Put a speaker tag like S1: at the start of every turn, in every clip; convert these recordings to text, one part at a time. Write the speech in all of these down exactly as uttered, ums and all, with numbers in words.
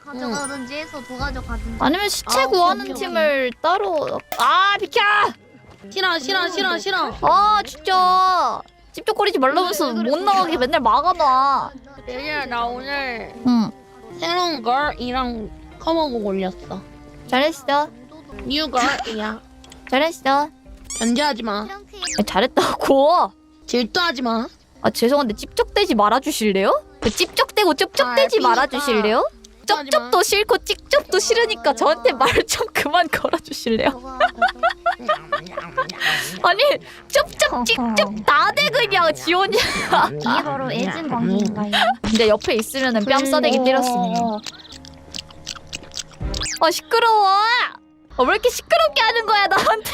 S1: 가져가든지 해서 도가져가든지.
S2: 아니면 시체
S3: 아,
S2: 구하는
S3: 오케이, 오케이.
S2: 팀을 따로. 아 비켜!
S3: 싫어 싫어 싫어 싫어.
S2: 아 진짜 찝쩍거리지 말라면서 못 나가게 맨날 막아놔.
S3: 얘들아 나 오늘
S2: 응
S3: 새로운 걸이랑 커먹고 올렸어.
S2: 잘했어
S3: 뉴 걸이야.
S2: 잘했어.
S3: 견제하지 마.
S2: 아, 잘했다고.
S3: 질투하지 마.
S2: 아 죄송한데 찝쩍대지 말아주실래요? 그 찝쩍대고 쩝쩝대지
S3: 아,
S2: 말아주실래요?
S3: 하지 마.
S2: 쩝쩝도 싫고 찝쩝도 싫으니까 저한테 말 좀 그만 걸어주실래요? 아니 쩝쩝 찝쩝 다돼 그냥 지원이.
S1: 이게 바로 애증 관계인가요?
S2: 근데 옆에 있으면은 뺨 싸대기 때렸으니. 아 시끄러워. 아, 왜 이렇게 시끄럽게 하는 거야 나한테?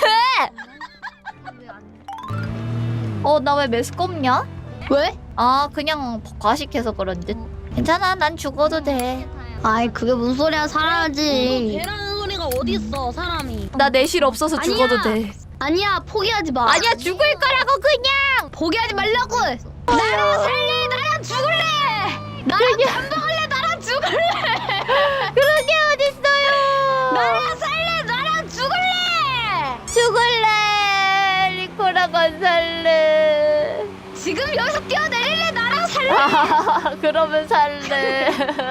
S2: 어 나 왜 메스껍냐?
S3: 왜?
S2: 아 그냥 과식해서 그런 듯. 괜찮아 난 죽어도 돼.
S1: 아이 그게 무슨 소리야 살아야지.
S3: 배라는 소리가 어디 있어 사람이.
S2: 나 내실 없어서
S1: 아니야.
S2: 죽어도 돼.
S1: 아니야 포기하지 마.
S2: 아니야 죽을 거라고 그냥.
S1: 포기하지 말라고. 나랑 살래 나랑 죽을래. 나랑 밥 먹을래 나랑 죽을래.
S2: 그런 게 어딨어요.
S1: 나랑 살래 나랑 죽을래.
S2: 죽을래. 리코랑 안 살래.
S1: 지금 여기서 뛰어내릴래 나랑 살래.
S2: 아, 그러면 살래.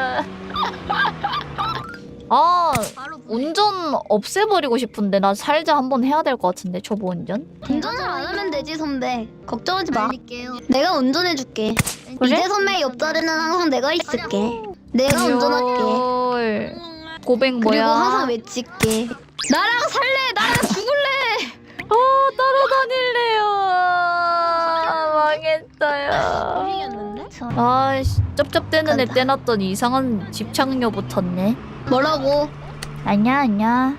S2: 아 운전 없애버리고 싶은데 나 살자 한번 해야 될 것 같은데 초보 운전.
S1: 운전을 안 하면 되지 선배. 걱정하지 마. 내가 운전해줄게. 이제 선배 옆자리는 항상 내가 있을게. 내가 운전할게.
S2: 헐. 고백
S1: 그리고
S2: 뭐야?
S1: 항상 외칠게. 나랑 살래 나랑 죽을래.
S2: 어 따라다닐래요. 아, 망했어요.
S3: 이겼는데?
S2: 아씨 쩝쩝대는 애
S1: 간다.
S2: 떼놨더니 이상한 집착녀 붙었네.
S1: 뭐라고?
S2: 아니야 아니야.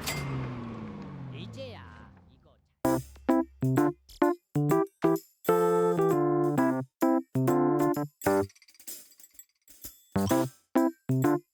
S4: you